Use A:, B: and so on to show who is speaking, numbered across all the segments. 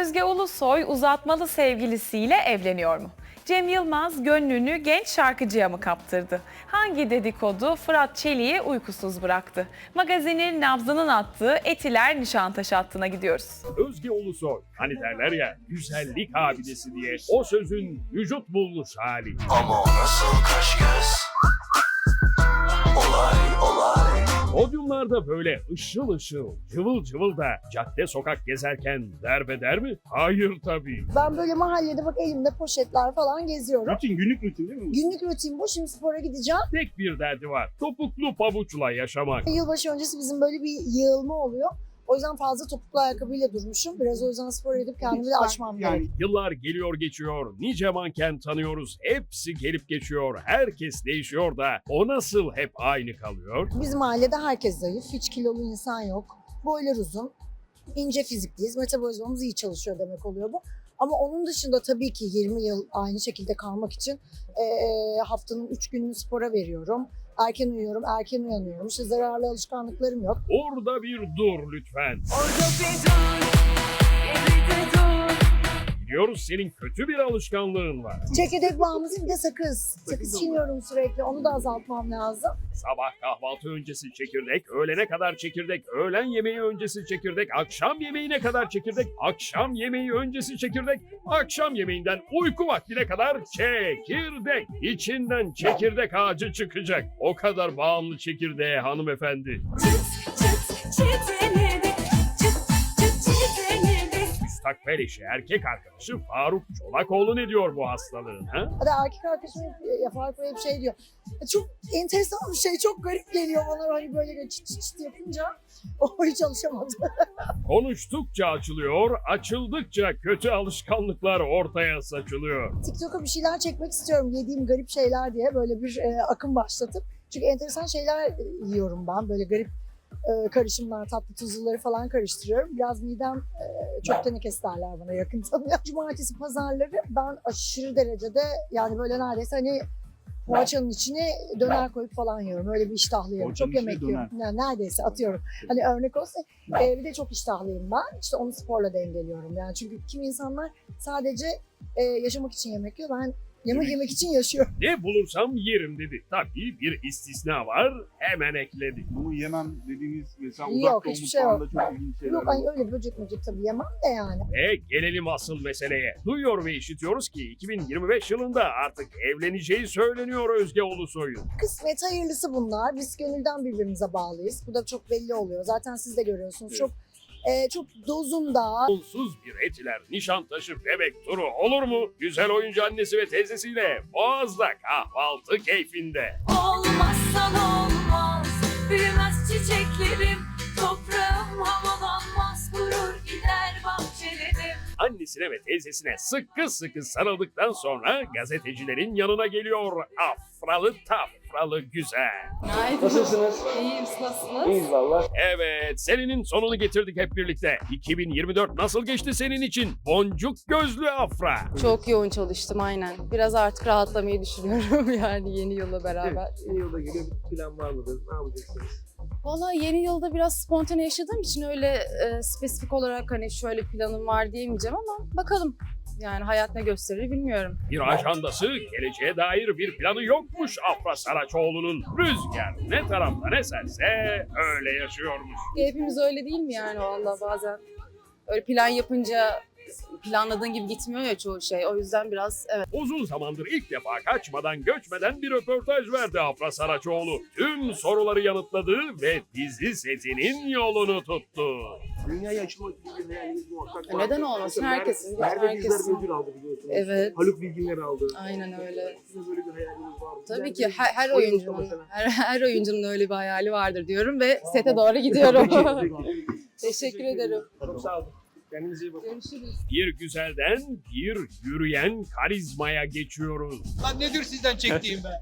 A: Özge Ulusoy uzatmalı sevgilisiyle evleniyor mu? Cem Yılmaz gönlünü genç şarkıcıya mı kaptırdı? Hangi dedikodu Fırat Çelik'i uykusuz bıraktı? Magazinin nabzının attığı Etiler Nişantaşı hattına gidiyoruz.
B: Özge Ulusoy, hani derler ya güzellik abidesi diye, o sözün vücut bulmuş hali.
C: Ama o nasıl kaş göz? Olay.
B: Podyumlarda böyle ışıl ışıl, cıvıl cıvıl da cadde sokak gezerken derbeder mi? Hayır tabii.
D: Ben böyle mahallede bak elimde poşetler falan geziyorum.
B: Günlük rutin değil mi?
D: Günlük rutin bu. Şimdi spora gideceğim.
B: Tek bir derdi var, topuklu pabuçla yaşamak.
D: Yılbaşı öncesi bizim böyle bir yığılma oluyor. O yüzden fazla topuklu ayakkabıyla durmuşum. Biraz o yüzden spor edip kendimi de açmam gerekiyor.
B: Yıllar geliyor geçiyor, nice manken tanıyoruz, hepsi gelip geçiyor, herkes değişiyor da o nasıl hep aynı kalıyor?
D: Bizim ailede herkes zayıf. Hiç kilolu insan yok. Boylar uzun. İnce fizikliyiz. Metabolizmamız iyi çalışıyor demek oluyor bu. Ama onun dışında tabii ki 20 yıl aynı şekilde kalmak için haftanın 3 gününü spora veriyorum. Erken uyuyorum, erken uyanıyorum. İşte zararlı alışkanlıklarım yok.
B: Orada bir dur lütfen. Biliyoruz senin kötü bir alışkanlığın var.
D: Çekirdek bağımlısı bir de sakız. Sakız çiğniyorum sürekli. Onu da azaltmam lazım.
B: Sabah kahvaltı öncesi çekirdek, öğlene kadar çekirdek, öğlen yemeği öncesi çekirdek, akşam yemeğine kadar çekirdek, akşam yemeği öncesi çekirdek, akşam yemeğinden uyku vaktine kadar çekirdek. İçinden çekirdek ağacı çıkacak. O kadar bağımlı çekirdeğe hanımefendi. Müstakbel eşi erkek arkadaşı Faruk Çolakoğlu ne diyor bu hastalığın ha?
D: Hadi erkek arkadaşım Faruk Bey bir şey diyor. Çok enteresan bir şey, çok garip geliyor bana hani böyle çıt çıt çıt yapınca. O hiç alışamadı.
B: Konuştukça açılıyor, açıldıkça kötü alışkanlıklar ortaya saçılıyor.
D: TikTok'a bir şeyler çekmek istiyorum yediğim garip şeyler diye böyle bir akım başlatıp. Çünkü enteresan şeyler yiyorum ben böyle garip karışımlar, tatlı tuzluları falan karıştırıyorum. Biraz midem çok tenekes derler bana yakın tanıyor. Cumartesi pazarları ben aşırı derecede yani böyle neredeyse hani poğaçanın içine döner koyup falan yiyorum. Öyle bir iştahlıyım.
E: Poğaçanın
D: Çok yemek
E: içine
D: yiyorum. Yani neredeyse atıyorum. Hani örnek olsa bir de çok iştahlıyım ben. İşte onu sporla dengeliyorum. Yani çünkü kimi insanlar sadece yaşamak için yemek yiyor. Ben yemek için yaşıyorum.
B: Ne bulursam yerim dedi. Tabii bir istisna var, hemen ekledi.
E: Bunu yemem dediğiniz mesela
D: Yok,
E: uzak doğu
D: hiçbir şey
E: mutfağında çok ilginç şeyler
D: Yok hani
E: var.
D: öyle böcek tabii yemem de yani.
B: Ve gelelim asıl meseleye. Duyuyor ve işitiyoruz ki 2025 yılında artık evleneceği söyleniyor Özge Ulusoy'un.
D: Kısmet hayırlısı bunlar. Biz gönülden birbirimize bağlıyız. Bu da çok belli oluyor. Zaten siz de görüyorsunuz. Çok dozunda.
B: Onsuz bir Etiler Nişantaşı bebek turu olur mu? Güzel oyuncu annesi ve teyzesiyle Boğaz'da kahvaltı keyfinde.
F: Olmazsan olmaz, büyümez çiçeklerim, toprağım havalanmaz, kurur gider bahçelerim.
B: Annesine ve teyzesine sıkı sıkı sarıldıktan sonra gazetecilerin yanına geliyor afralı tafralı güzel.
G: Nasılsınız?
F: İyiyim, nasılsınız?
G: İyiyiz valla.
B: Evet, senenin sonunu getirdik hep birlikte. 2024 nasıl geçti senin için? Boncuk gözlü afra.
H: Çok yoğun çalıştım aynen. Biraz artık rahatlamayı düşünüyorum yani yeni yılla beraber.
G: Evet, yeni yılda geliyor, bir plan var mıdır? Ne yapacaksınız?
H: Vallahi yeni yılda biraz spontane yaşadığım için öyle spesifik olarak hani şöyle planım var diyemeyeceğim ama bakalım. Yani hayat ne gösterir bilmiyorum.
B: Bir ajandası, geleceğe dair bir planı yokmuş Afra Saraçoğlu'nun. Rüzgar ne taraftan eserse öyle yaşıyormuş.
H: Hepimiz öyle değil mi yani vallahi bazen? Öyle plan yapınca planladığın gibi gitmiyor ya çoğu şey. O yüzden biraz evet.
B: Uzun zamandır ilk defa kaçmadan göçmeden bir röportaj verdi Afra Saraçoğlu. Tüm soruları yanıtladı ve dizi setinin yolunu tuttu.
G: Dünyaya açılmak gibi bir hayaliniz muhakkak var.
H: Neden olmasın?
G: Mesela
H: Herkesin,
G: Merve
H: herkesin.
G: Dizler ödül aldı biliyorsunuz.
H: Evet.
G: Haluk Bilginer aldı.
H: Aynen öyle.
G: Sizin böyle bir hayaliniz var mı?
H: Tabii
G: Yani
H: ki her
G: o yılda
H: oyuncunun
G: mesela.
H: her oyuncunun öyle bir hayali vardır diyorum ve sete doğru gidiyorum.
G: Peki.
H: Teşekkür ederim.
G: Çok sağ olun. Kendinize iyi bakın.
H: Görüşürüz.
B: Bir güzelden bir yürüyen karizmaya geçiyoruz.
I: Lan nedir sizden çektiğim be?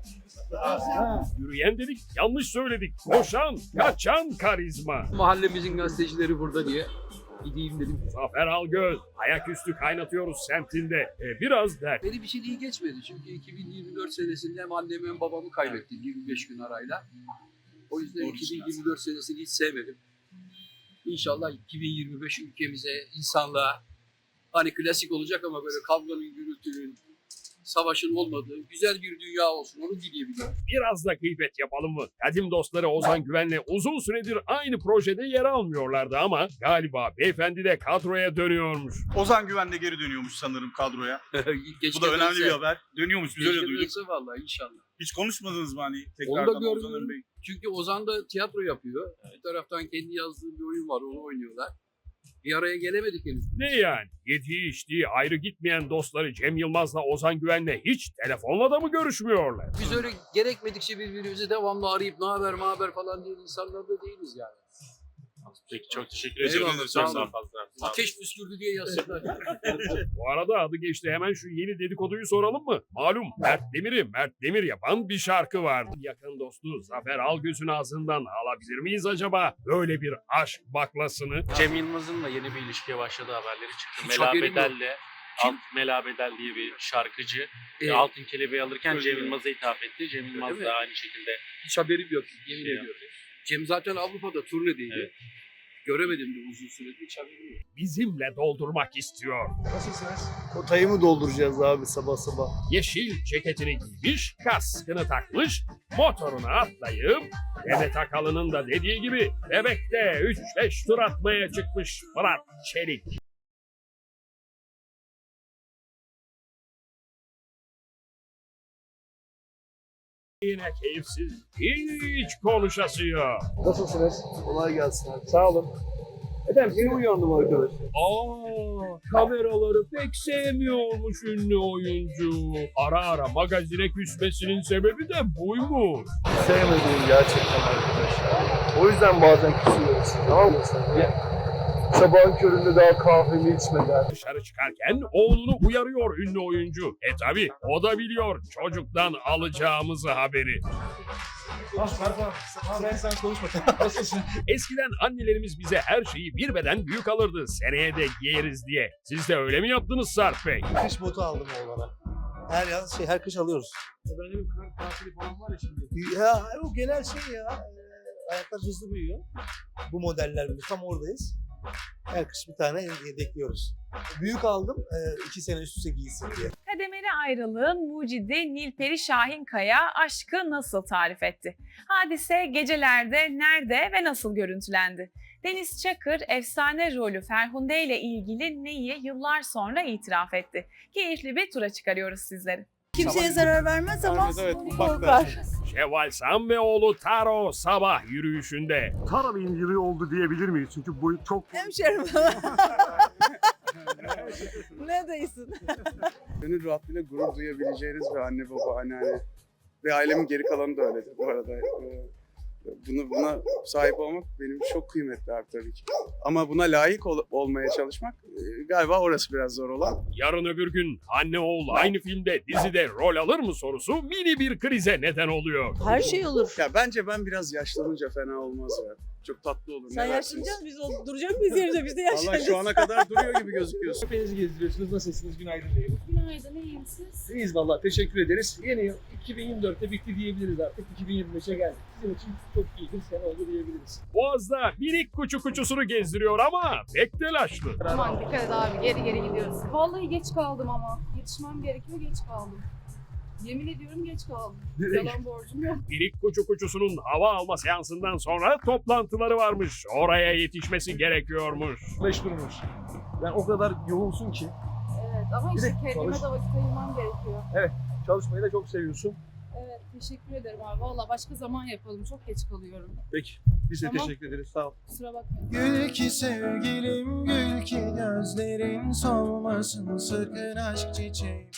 B: Yürüyen dedik, yanlış söyledik. Koşan, kaçan karizma.
I: Mahallemizin gazetecileri burada diye gideyim dedim.
B: Zafer Algöz, ayaküstü kaynatıyoruz semtinde. Biraz dert.
I: Beni bir şey iyi geçmedi çünkü 2024 senesinde hem annemi hem babamı kaybettim 25 gün arayla. O yüzden 2024 senesini hiç sevmedim. İnşallah 2025 ülkemize, insanlığa Hani klasik olacak ama böyle kavganın, gürültünün, savaşın olmadığı güzel bir dünya olsun. Onu dileyebilirim.
B: Biraz da gıybet yapalım mı? Kadim dostları Ozan Güven'le uzun süredir aynı projede yer almıyorlardı ama galiba beyefendi de kadroya dönüyormuş.
E: Ozan Güven de geri dönüyormuş sanırım kadroya. Bu da önemli bir haber. Dönüyormuş, biz öyle duyduk.
I: Vallahi inşallah.
E: Hiç konuşmadınız mı hani
I: Onu
E: tekrardan
I: da
E: Ozan
I: gördüm.
E: Bey?
I: Çünkü Ozan da tiyatro yapıyor. Bir taraftan kendi yazdığı bir oyun var, onu oynuyorlar. Bir araya gelemedik henüz.
B: Ne yani? Yediği içtiği ayrı gitmeyen dostları Cem Yılmaz'la Ozan Güven'le hiç telefonla da mı görüşmüyorlar?
I: Biz öyle gerekmedikçe birbirimizi devamlı arayıp ne haber falan diye insanlar da değiliz yani.
J: Peki çok teşekkür
I: Eyvallah,
J: ediyorum.
I: sağ
J: Çok
I: olun.
J: fazla.
I: Ateş püskürdü diye yazsınlar.
B: Bu arada adı geçti, hemen şu yeni dedikoduyu soralım mı? Malum Mert Demir'i Mert Demir yapan bir şarkı vardı. Yakın dostu Zafer Algöz'ün ağzından alabilir miyiz acaba böyle bir aşk baklasını?
J: Cem Yılmaz'ın da yeni bir ilişkiye başladığı haberleri çıktı.
I: Hiç
J: Mela
I: haberim yok.
J: Bedel'le Mela Bedel diye bir şarkıcı Altın Kelebeği alırken
I: Öyle
J: Cem
I: mi?
J: Yılmaz'a hitap etti. Cem Yılmaz
I: mi?
J: da aynı şekilde
I: Hiç haberim yok. Yemin
J: Şey
I: ediyorum. Cem zaten Avrupa'da turnedeydi.
J: Evet.
I: Göremedim de uzun süredir, hiç haberim yok.
B: Bizimle doldurmak istiyor.
G: Nasılsınız?
E: Kotayı mı dolduracağız abi sabah sabah?
B: Yeşil ceketini giymiş, kaskını takmış, motoruna atlayıp Demet Akalın'ın da dediği gibi Bebek'te 3-5 tur atmaya çıkmış Fırat Çelik. Yine keyifsiz, hiç konuşası yok.
G: Nasılsınız?
E: Kolay gelsin abi.
G: Sağ olun. Efendim yeni uyandım arkadaş.
B: Kameraları pek sevmiyormuş ünlü oyuncu. Ara ara magazine küsmesinin sebebi de buymuş.
E: Sevmediğim gerçekten arkadaşlar. O yüzden bazen küsüyoruz. Tamam mı sen? Sabahın köründe daha kahvemi içmeden.
B: Dışarı çıkarken oğlunu uyarıyor ünlü oyuncu. Tabi o da biliyor çocuktan alacağımızı haberi.
G: Ben sen konuşma. Nasılsın?
B: Eskiden annelerimiz bize her şeyi bir beden büyük alırdı. Seneye de giyeriz diye. Siz de öyle mi yaptınız Sarp Bey?
K: Kış botu aldım oğlana. Her yaz her kış alıyoruz.
G: Bende bir kar tatili falan var ya şimdi.
K: Ya o genel şey ya. Ayaklar hızlı büyüyor. Bu modeller bile tam oradayız. Her kış bir tane yedekliyoruz. Büyük aldım 2 sene üst üste giysin diye.
A: Kademeli ayrılığın mucidi Nilperi Şahinkaya aşkı nasıl tarif etti? Hadise gecelerde nerede ve nasıl görüntülendi? Deniz Çakır efsane rolü Ferhunde ile ilgili neyi yıllar sonra itiraf etti? Keyifli bir tura çıkarıyoruz sizleri.
D: Kimseye zarar vermez ama
K: Evet,
D: korkar.
B: Şevval Sam ve oğlu Taro sabah yürüyüşünde.
E: Tara Bey'in yılı oldu diyebilir miyiz? Çünkü bu çok...
D: Hemşerim. Ne değilsin?
L: Gönül rahatlığıyla gurur duyabileceğiniz bir anne baba, anneanne ve ailemin geri kalanı da öyledir bu arada. Buna sahip olmak benim çok kıymetli abi tabii ki. Ama buna layık olmaya çalışmak galiba orası biraz zor olan.
B: Yarın öbür gün anne oğul aynı filmde dizide rol alır mı sorusu mini bir krize neden oluyor.
D: Her şey olur.
L: Ya bence ben biraz yaşlanınca fena olmaz ya. Çok tatlı olur.
D: Sen
L: ne dersiniz?
D: yaşlanacağız biz duracak mıyız yerimize biz de
L: Vallahi
D: yaşlanacağız.
L: şu ana kadar duruyor gibi gözüküyorsun.
G: Köpeğinizi gezdiriyorsunuz. Nasılsınız? Günaydın diyelim.
H: Günaydın, iyiyim siz?
G: İyiyiz valla. Teşekkür ederiz. Yeni yıl 2024'te bitti diyebiliriz artık. 2025'e geldik. Sizin için çok iyi bir sene oldu diyebiliriz.
B: Boğaz'da minik kuçusunu gezdiriyor ama pek telaşlı.
H: Aman dikkat et abi, geri gidiyoruz. Vallahi geç kaldım ama. Yetişmem gerekiyor, geç kaldım. Yemin ediyorum geç kaldım. Yalan borcum yok.
B: Minik kuçusunun hava alma seansından sonra toplantıları varmış. Oraya yetişmesi gerekiyormuş.
G: Beş durmuş. Yani o kadar yoğunsun ki.
H: Evet ama
G: Bir
H: işte
G: de
H: kendime
G: çalış-
H: de vakit ayırmam gerekiyor.
G: Çalışmayı da çok seviyorsun.
H: Evet, teşekkür ederim abi. Valla başka zaman yapalım, çok geç kalıyorum.
G: Peki. Biz de
H: Tamam.
G: teşekkür ederiz. Sağ ol.
H: Kusura bakmayın.
K: Gül ki sevgilim, gül ki gözlerin solmasın sakın aşk çiçeğim.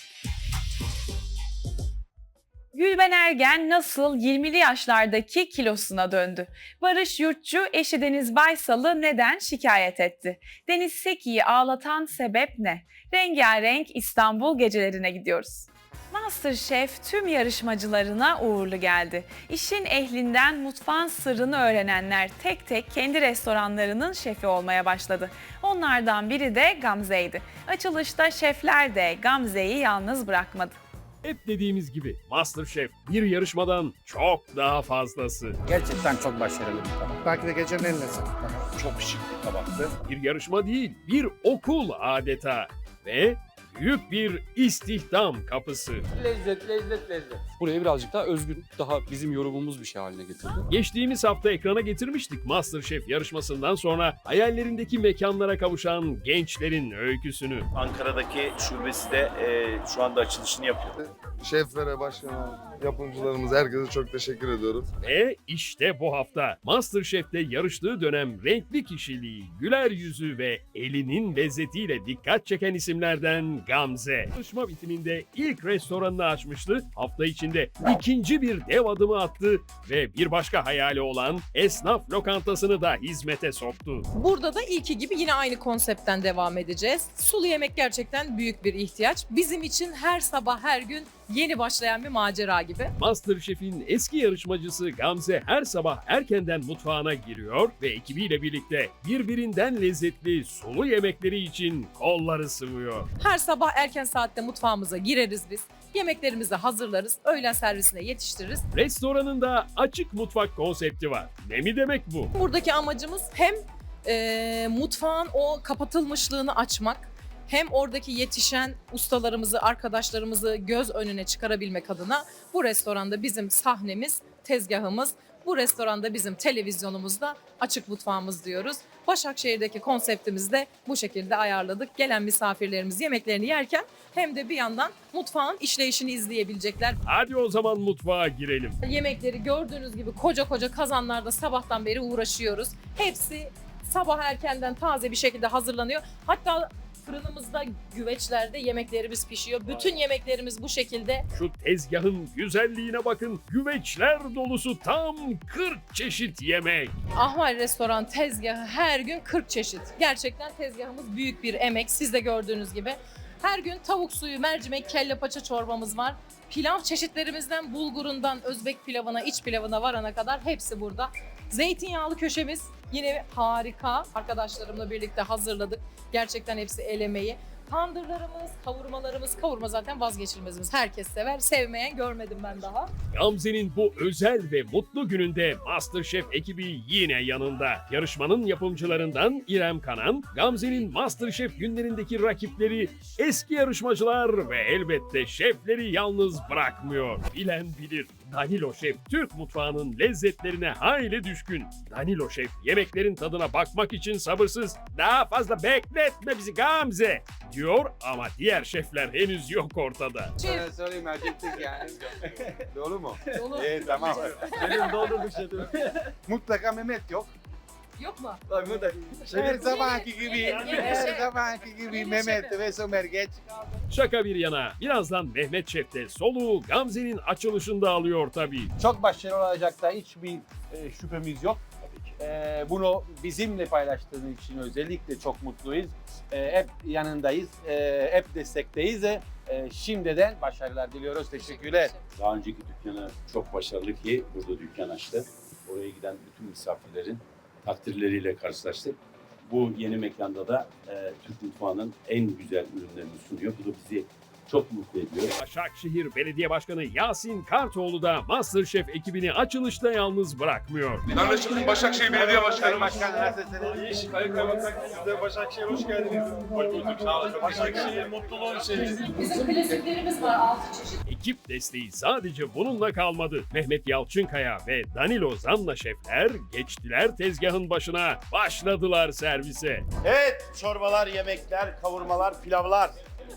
A: Gülben Ergen nasıl 20'li yaşlardaki kilosuna döndü? Barış Yurtçu eşi Deniz Baysal'ı neden şikayet etti? Deniz Seki'yi ağlatan sebep ne? Rengarenk İstanbul gecelerine gidiyoruz. MasterChef tüm yarışmacılarına uğurlu geldi. İşin ehlinden mutfağın sırrını öğrenenler tek tek kendi restoranlarının şefi olmaya başladı. Onlardan biri de Gamze'ydi. Açılışta şefler de Gamze'yi yalnız bırakmadı.
B: Hep dediğimiz gibi MasterChef bir yarışmadan çok daha fazlası.
K: Gerçekten çok başarılı bir tabak. Belki de gecenin en lezzetli tabak.
E: Çok şık bir tabaktı.
B: Bir yarışma değil, bir okul adeta. ve büyük bir istihdam kapısı.
I: Lezzet, lezzet, lezzet.
M: Buraya birazcık daha özgün, daha bizim yorumumuz bir şey haline getirdi.
B: Geçtiğimiz hafta ekrana getirmiştik MasterChef yarışmasından sonra hayallerindeki mekanlara kavuşan gençlerin öyküsünü.
N: Ankara'daki şubesi de şu anda açılışını yapıyor.
E: Şeflere, başkana, yapımcılarımız, herkese çok teşekkür ediyorum.
B: Ve işte bu hafta MasterChef'te yarıştığı dönem renkli kişiliği, güler yüzü ve elinin lezzetiyle dikkat çeken isimlerden Gamze. Yarışma bitiminde ilk restoranını açmıştı. Hafta içinde ikinci bir dev adımı attı ve bir başka hayali olan esnaf lokantasını da hizmete soktu.
F: Burada da ilki gibi yine aynı konseptten devam edeceğiz. Sulu yemek gerçekten büyük bir ihtiyaç. Bizim için her sabah her gün yeni başlayan bir macera gibi.
B: MasterChef'in eski yarışmacısı Gamze her sabah erkenden mutfağına giriyor ve ekibiyle birlikte birbirinden lezzetli sulu yemekleri için kolları sıvıyor.
F: Her sabah erken saatte mutfağımıza gireriz biz. Yemeklerimizi hazırlarız, öğlen servisine yetiştiririz.
B: Restoranında açık mutfak konsepti var. Ne mi demek bu?
F: Buradaki amacımız hem mutfağın o kapatılmışlığını açmak, hem oradaki yetişen ustalarımızı, arkadaşlarımızı göz önüne çıkarabilmek adına bu restoranda bizim sahnemiz, tezgahımız, bu restoranda bizim televizyonumuzda açık mutfağımız diyoruz. Başakşehir'deki konseptimizi de bu şekilde ayarladık. Gelen misafirlerimiz yemeklerini yerken hem de bir yandan mutfağın işleyişini izleyebilecekler.
B: Hadi o zaman mutfağa girelim.
F: Yemekleri gördüğünüz gibi koca koca kazanlarda sabahtan beri uğraşıyoruz. Hepsi sabah erkenden taze bir şekilde hazırlanıyor. Hatta fırınımızda, güveçlerde yemeklerimiz pişiyor. Bütün yemeklerimiz bu şekilde.
B: Şu tezgahın güzelliğine bakın. Güveçler dolusu tam 40 çeşit yemek.
F: Ahval Restoran tezgahı her gün 40 çeşit. Gerçekten tezgahımız büyük bir emek. Siz de gördüğünüz gibi. Her gün tavuk suyu, mercimek, kelle paça çorbamız var. Pilav çeşitlerimizden bulgurundan Özbek pilavına, iç pilavına varana kadar hepsi burada. Zeytinyağlı köşemiz yine harika. Arkadaşlarımla birlikte hazırladık. Gerçekten hepsi el emeği. Tandırlarımız, kavurmalarımız, kavurma zaten vazgeçilmezimiz. Herkes sever, sevmeyen görmedim ben daha.
B: Gamze'nin bu özel ve mutlu gününde MasterChef ekibi yine yanında. Yarışmanın yapımcılarından İrem Kanan, Gamze'nin MasterChef günlerindeki rakipleri eski yarışmacılar ve elbette şefleri yalnız bırakmıyor. Bilen bilir. Danilo Şef Türk mutfağının lezzetlerine hayli düşkün. Danilo Şef yemeklerin tadına bakmak için sabırsız. Daha fazla bekletme bizi Gamze diyor ama diğer şefler henüz yok ortada.
I: Sana sorayım erkektik yani. Doğru mu?
F: Dolu.
I: Tamam. Benim doldurduk şefim. Mutlaka Mehmet yok.
F: Yok mu?
I: Her zamanki gibi, her zamanki gibi Mehmet ve Somer geç.
B: Şaka bir yana birazdan Mehmet Şef de soluğu Gamze'nin açılışında alıyor tabii.
G: Çok başarılı olacak da hiçbir şüphemiz yok. Bunu bizimle paylaştığın için özellikle çok mutluyuz. Hep yanındayız, hep destekteyiz. Şimdiden başarılar diliyoruz. Teşekkürler.
N: Daha önceki dükkanı çok başarılı ki burada dükkan açtı. Oraya giden bütün misafirlerin takdirleriyle karşılaştık. Bu yeni mekanda da Türk mutfağının en güzel ürünlerini sunuyor. Bu da bizi çok mutlu ediyor.
B: Başakşehir Belediye Başkanı Yasin Kartoğlu da MasterChef ekibini açılışta yalnız bırakmıyor.
E: Kardeşim Başakşehir Belediye Başkanı.
I: Başkan nasılsınız?
E: Siz de Başakşehir hoş geldiniz. Hoş bulduk. Sağ olun. Başakşehir mutluluğun şeyi.
F: Bizim klasiklerimiz var 6 çeşit.
B: Ekip desteği sadece bununla kalmadı. Mehmet Yalçınkaya ve Danilo Zanna şefler geçtiler tezgahın başına, başladılar servise.
N: Evet, çorbalar, yemekler, kavurmalar, pilavlar.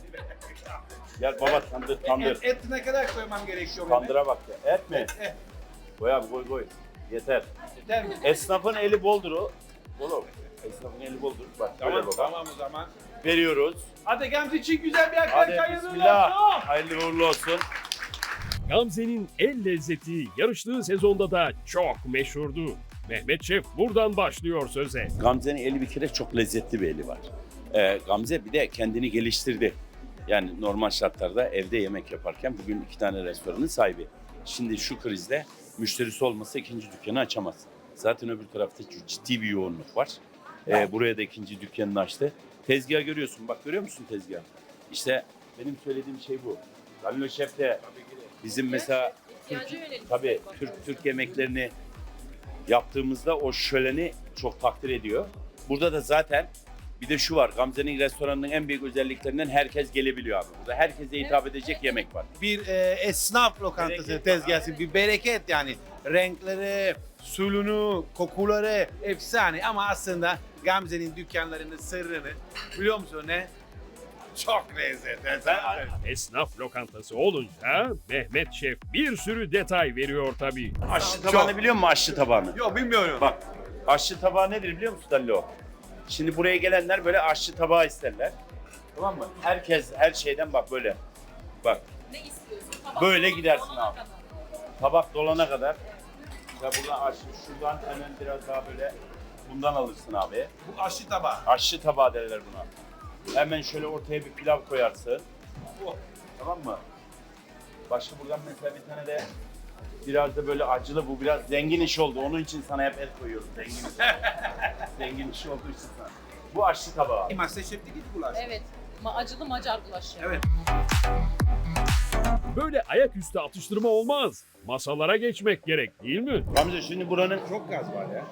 N: Gel baba tandır.
I: Et ne kadar koymam gerekiyor?
N: Tandıra bak ya. Et mi? Koy abi koy. Yeter.
I: Yeter mi?
N: Esnafın eli boldur o. Oğlum. Esnafın eli boldur. Bak böyle baba.
I: Tamam o zaman.
N: Veriyoruz.
I: Hadi Gamze için güzel bir
N: Hadi
I: hayırlı
N: bismillah.
I: olsun.
N: Hayırlı uğurlu olsun.
B: Gamze'nin el lezzeti yarıştığı sezonda da çok meşhurdu. Mehmet Şef buradan başlıyor söze.
N: Gamze'nin eli bir kere çok lezzetli bir eli var. Gamze bir de kendini geliştirdi. Yani normal şartlarda evde yemek yaparken bugün 2 tane restoranın sahibi. Şimdi şu krizde müşterisi olmasa ikinci dükkanı açamaz. Zaten öbür tarafta ciddi bir yoğunluk var. Buraya da ikinci dükkanını açtı. Tezgahı görüyorsun. Bak görüyor musun tezgahı? İşte benim söylediğim şey bu. Danilo Şef de bizim mesela Türk yemeklerini yaptığımızda o şöleni çok takdir ediyor. Burada da zaten Bir de şu var, Gamze'nin restoranının en büyük özelliklerinden herkes gelebiliyor abi. Burada herkese hitap edecek yemek var.
G: Bir esnaf lokantası
N: Bereket
G: tezgahı, bir bereket yani. Renkleri, sulunu, kokuları efsane ama aslında Gamze'nin dükkanlarının sırrını biliyor musun ne? Çok lezzetli.
B: Esnaf lokantası olunca Mehmet Şef bir sürü detay veriyor tabii.
N: Aşçı tabağını biliyor musun aşçı tabağını?
G: Yok bilmiyorum.
N: Bak, aşçı tabağı nedir biliyor musun Dallo? Şimdi buraya gelenler böyle aşçı tabağı isterler. Tamam mı? Herkes her şeyden bak böyle. Bak.
F: Ne istiyorsun?
N: Böyle gidersin abi. Tabak dolana kadar. Ya buradan aşçı, şuradan hemen biraz daha böyle bundan alırsın abi.
G: Bu aşçı tabağı.
N: Aşçı tabağı derler buna. Hemen şöyle ortaya bir pilav koyarsın. Tamam mı? Başka buradan mesela bir tane de biraz da böyle acılı, bu biraz zengin iş oldu. Onun için sana hep et koyuyorum. Zengin iş. Zengin iş olduğu için sana. Bu aşçı tabağı.
G: Masterchef'te git bulaş.
F: Evet. Acılı Macar gulaşı.
G: Evet.
B: Böyle ayaküstü atıştırma olmaz. Masalara geçmek gerek değil mi?
N: Gamze şimdi buranın çok gaz var ya.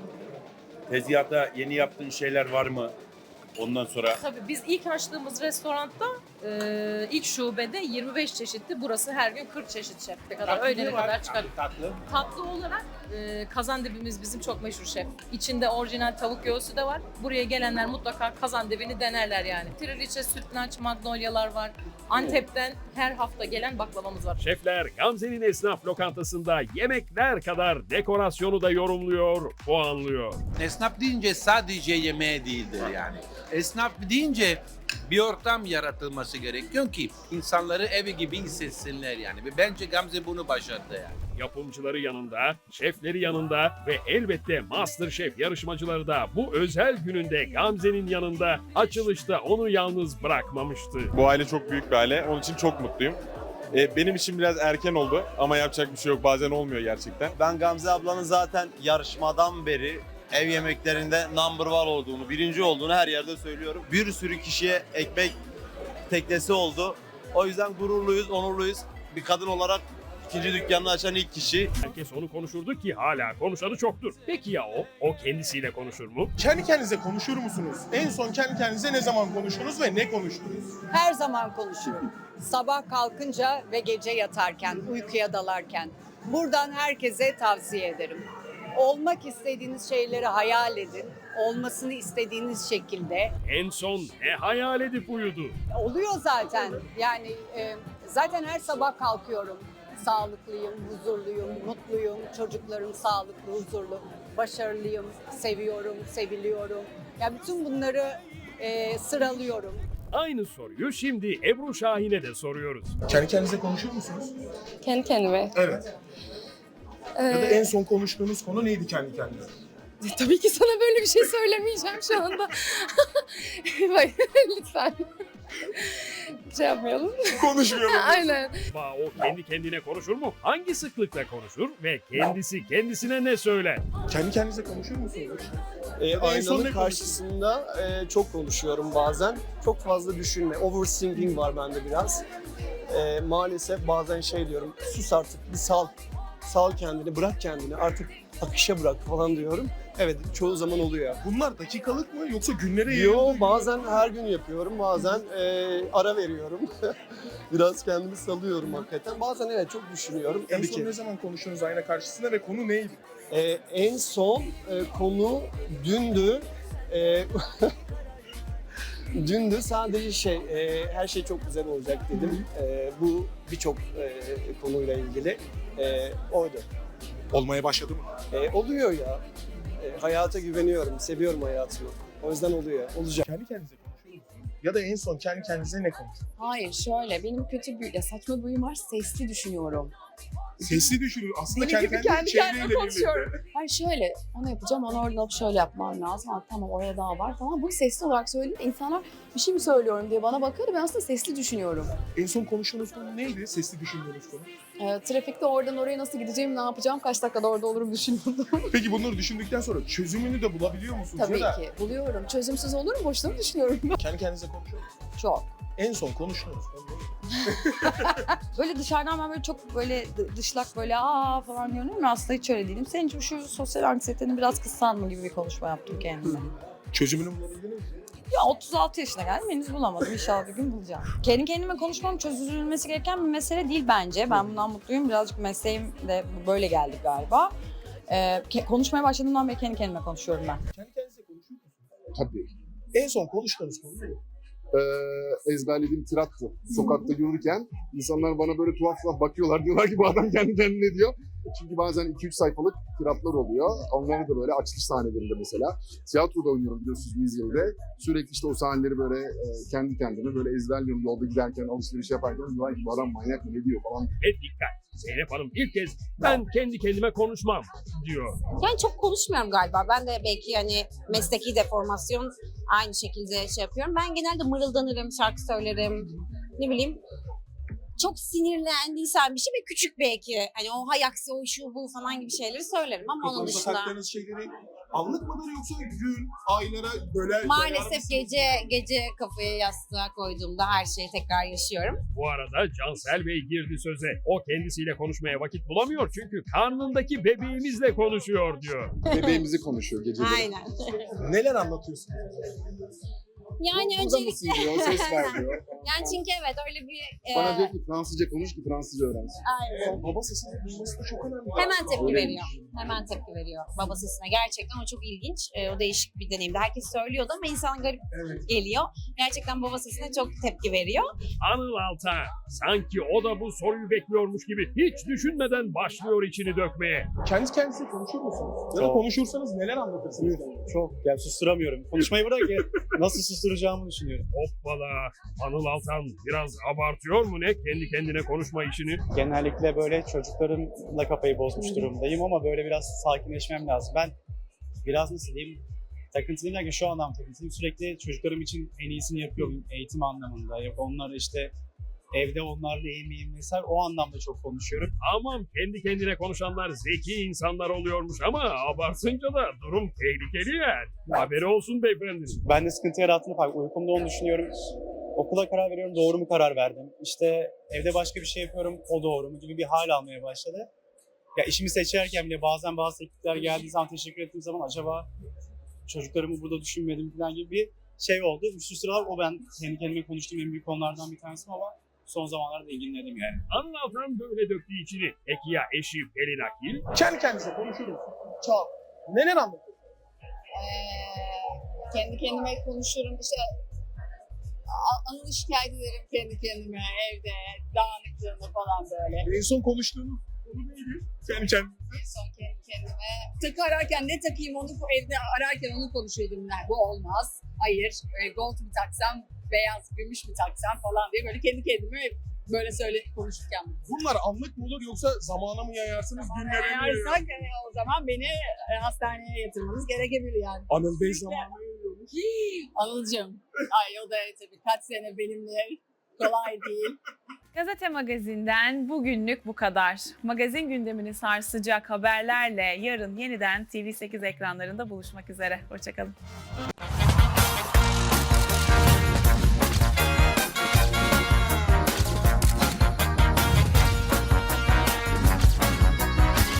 N: Tezgahta yeni yaptığın şeyler var mı? Ondan sonra
F: Tabii biz ilk açtığımız restoranda ilk şubede 25 çeşitti. Burası her gün 40 çeşit şef kadar. Öğlene kadar çıkar.
G: Tatlı.
F: Tatlı olarak kazandebimiz bizim çok meşhur şef. İçinde orijinal tavuk göğsü de var. Buraya gelenler mutlaka kazandebini denerler yani. Triliçe, sütlaç, magnolyalar var. Antep'ten her hafta gelen baklavamız var.
B: Şefler Gamze'nin esnaf lokantasında yemekler kadar dekorasyonu da yorumluyor, puanlıyor.
G: Esnaf deyince sadece yemeğe değildir yani. Esnaf deyince bir ortam yaratılması gerekiyor ki insanları evi gibi hissetsinler yani. Ve bence Gamze bunu başardı yani.
B: Yapımcıları yanında, şefleri yanında ve elbette MasterChef yarışmacıları da bu özel gününde Gamze'nin yanında açılışta onu yalnız bırakmamıştı.
O: Bu aile çok büyük bir aile. Onun için çok mutluyum. Benim için biraz erken oldu ama yapacak bir şey yok. Bazen olmuyor gerçekten.
K: Ben Gamze ablanın zaten yarışmadan beri ev yemeklerinde number one olduğunu, birinci olduğunu her yerde söylüyorum. Bir sürü kişiye ekmek teknesi oldu. O yüzden gururluyuz, onurluyuz. Bir kadın olarak ikinci dükkanını açan ilk kişi.
B: Herkes onu konuşurdu ki hala konuşanı çoktur. Peki ya o? O kendisiyle konuşur mu?
E: Kendi kendinize konuşur musunuz? En son kendi kendinize ne zaman konuştunuz ve ne konuştunuz?
P: Her zaman konuşurum. Sabah kalkınca ve gece yatarken, uykuya dalarken. Buradan herkese tavsiye ederim. Olmak istediğiniz şeyleri hayal edin. Olmasını istediğiniz şekilde.
B: En son ne hayal edip uyudu?
P: Oluyor zaten. Yani zaten her sabah kalkıyorum. Sağlıklıyım, huzurluyum, mutluyum. Çocuklarım sağlıklı, huzurlu, başarılıyım, seviyorum, seviliyorum. Yani bütün bunları sıralıyorum.
B: Aynı soruyu şimdi Ebru Şahin'e de soruyoruz.
E: Kendi kendinize konuşur musunuz?
H: Kendi kendime.
E: Evet. Ya da en son konuştuğunuz konu neydi kendi kendinize?
H: Tabii ki sana böyle bir şey söylemeyeceğim şu anda. Bak lütfen. Şey yapmayalım.
E: Konuşmayalım.
H: Aynen.
B: O kendi kendine konuşur mu? Hangi sıklıkla konuşur ve kendisi kendisine ne söyler?
E: Kendi kendinize konuşur musunuz? En son ne
K: Aynanın
E: konuştunuz?
K: karşısında çok konuşuyorum bazen. Çok fazla düşünme. Overthinking var bende biraz. Maalesef bazen şey diyorum. Sus artık bir sal. Sal kendini, bırak kendini. Artık akışa bırak falan diyorum. Evet, çoğu zaman oluyor.
E: Bunlar dakikalık mı yoksa günlere yayıldı?
K: Yo, bazen her gün yapıyorum, bazen ara veriyorum. Biraz kendimi salıyorum hakikaten. Bazen evet çok düşünüyorum.
E: En
K: Tabii
E: son
K: ki.
E: ne zaman konuştunuz ayna karşısında ve konu neydi?
K: En son konu dündü. Dündü sadece her şey çok güzel olacak dedim. Bu birçok konuyla ilgili oydu.
E: Olmaya başladı mı?
K: Oluyor ya. Hayata güveniyorum, seviyorum hayatımı. O yüzden oluyor, olacak.
E: Kendi kendinize konuşuyor musunuz? Ya da en son kendi kendinize ne konuştunuz?
H: Hayır şöyle benim kötü bir saçma bir huyum var, sesli düşünüyorum.
E: Sesli düşünüyor. Aslında
H: Deli gibi
E: kendi
H: kendi
E: çevreyle
H: kendime
E: birlikte.
H: konuşuyorum. Hayır şöyle, onu yapacağım, onu oradan alıp şöyle yapmam lazım. Ha, tamam oraya daha var falan. Bunu sesli olarak söyleyince insanlar bir şey mi söylüyorum diye bana bakıyor da ben aslında sesli düşünüyorum.
E: En son konuştuğunuz konu neydi? Sesli düşündüğünüz konu.
H: Trafikte oradan oraya nasıl gideceğim, ne yapacağım, kaç dakikada orada olurum düşünüyordum.
E: Peki bunları düşündükten sonra çözümünü de bulabiliyor musunuz?
H: Tabii
E: Ya da
H: ki buluyorum. Çözümsüz olur mu? Boşuna mı düşünüyorum ben?
E: kendi kendinize konuşuyor musunuz?
H: Çok.
E: En son konuştuğunuz konu neydi?
Q: Böyle dışarıdan ben böyle çok böyle dışlak böyle aa falan diyorum ama aslında hiç öyle değilim. Senin şu sosyal anksiyetenin biraz kıssan mı gibi bir konuşma yaptım kendime.
E: Çözümünü bulabildiniz mi?
Q: Ya 36 yaşına geldim, henüz bulamadım. İnşallah bir gün bulacağım. Kendi kendime konuşmam çözülmesi gereken bir mesele değil bence. Ben bundan mutluyum. Birazcık mesleğim de böyle geldi galiba. Konuşmaya başladığımdan beri kendi kendime konuşuyorum ben.
E: Kendi kendinize konuşuyor musunuz?
R: Tabii.
E: En son konuştuğunuz konu ne?
R: Ezberlediğim tirattı. Sokakta yürürken insanlar bana böyle tuhaf tuhaf bakıyorlar. Diyorlar ki bu adam kendi kendine diyor. Çünkü bazen 2-3 sayfalık tiratlar oluyor. Onları da böyle açılış sahnelerinde mesela. Tiyatroda oynuyorum biliyorsunuz Mizya'da. Sürekli işte o sahneleri böyle kendi kendime böyle ezberliyorum yolda giderken, alışveriş yaparken. Diyorlar ki bu adam manyak mı ne diyor falan.
B: Dikkat! Zeynep Hanım ilk kez ben kendi kendime konuşmam diyor.
S: Yani çok konuşmuyorum galiba. Ben de belki hani mesleki deformasyon aynı şekilde şey yapıyorum. Ben genelde mırıldanırım, şarkı söylerim, ne bileyim. Çok sinirlendiysem bir şey ve küçük belki hani o hay aksi o şu bu falan gibi şeyleri söylerim ama onun
E: Kafanızda
S: dışında
E: taktığınız şeyleri anlık mıdır yoksa gün, aylara böyle...
S: maalesef gece kafayı yastığa koyduğumda her şeyi tekrar yaşıyorum.
B: Bu arada Cansel Bey girdi söze. O kendisiyle konuşmaya vakit bulamıyor çünkü karnındaki bebeğimizle konuşuyor diyor.
R: Bebeğimizi konuşuyor geceleri.
S: Aynen.
E: Neler anlatıyorsun?
S: Yani
R: Burada
S: öncelikle...
R: mısın diyor, ses ver diyor.
S: Yani çünkü evet öyle bir...
R: Bana diyor ki Fransızca konuş ki Fransızca öğrensin.
S: Aynen.
E: Baba sesini duyması da çok önemli.
S: Hemen tepki
R: Öyle.
S: veriyor. Hemen tepki veriyor baba sesine. Gerçekten o çok ilginç. O değişik bir deneyimdi. Herkes söylüyordu ama insana garip geliyor. Gerçekten baba sesine çok tepki veriyor.
B: Anıl Altan sanki o da bu soruyu bekliyormuş gibi hiç düşünmeden başlıyor içini dökmeye.
E: Kendi kendinize konuşur musunuz? Ya da
M: Çok.
E: konuşursanız neler anlatırsınız?
M: Çok. Yani susturamıyorum. Konuşmayı bırak ya. Nasıl susturacağımı düşünüyorum.
B: Hoppala! Anıl Altan biraz abartıyor mu ne kendi kendine konuşma işini?
M: Genellikle böyle çocuklarımla kafayı bozmuş durumdayım ama böyle biraz sakinleşmem lazım. Ben biraz nasıl diyeyim, takıntılıyım derken şu anlamda takıntılıyım. Sürekli çocuklarım için en iyisini yapıyorum eğitim anlamında. Yok onlar işte evde onlarla iyi miyim vesaire o anlamda çok konuşuyorum.
B: Aman kendi kendine konuşanlar zeki insanlar oluyormuş ama abartınca da durum tehlikeli yani. Haberi olsun beyefendi.
M: Ben de sıkıntı yarattığını fark uykumda onu düşünüyorum. Okula karar veriyorum, doğru mu karar verdim? İşte evde başka bir şey yapıyorum, o doğru mu gibi bir hal almaya başladı. Ya işimi seçerken bile bazen bazı teklifler geldiği zaman teşekkür ettiğim zaman acaba çocuklarımı burada düşünmedim falan gibi bir şey oldu. Şu sıralar o ben kendi kendime konuştuğum en büyük konulardan bir tanesi ama son zamanlarda ilgilendim yani.
B: Anıl Altan böyle döktüğü içini. Peki ya eşi Pelin Akil?
E: Kendi kendinize konuşur musunuz? Çağ. Neler anlatıyorsun?
H: Kendi kendime konuşurum işte. Anıl şikayet ederim kendi kendime evde, dağınıklığını falan böyle.
E: En son konuştuğunuz konu neydi? Kendi kendinize.
H: En son kendi kendime. Takı ararken ne takayım onu evde ararken onu konuşuyordum. Yani, bu olmaz. Hayır. Gold mu taksam, beyaz gümüş mü taksam falan diye böyle kendi kendime böyle konuşurken.
E: Bunlar anlık mı olur yoksa zamana mı yayarsınız? Günlere mi
H: Yayarsak o zaman beni hastaneye yatırmanız gerekebilir yani.
E: Anıl Bey zamanı yayıyormuş.
H: Anılcığım. Ay o da tabii kaç sene benimle kolay değil.
A: Gazete Magazin'den bugünlük bu kadar. Magazin gündemini sarsacak haberlerle yarın yeniden TV8 ekranlarında buluşmak üzere. Hoşçakalın.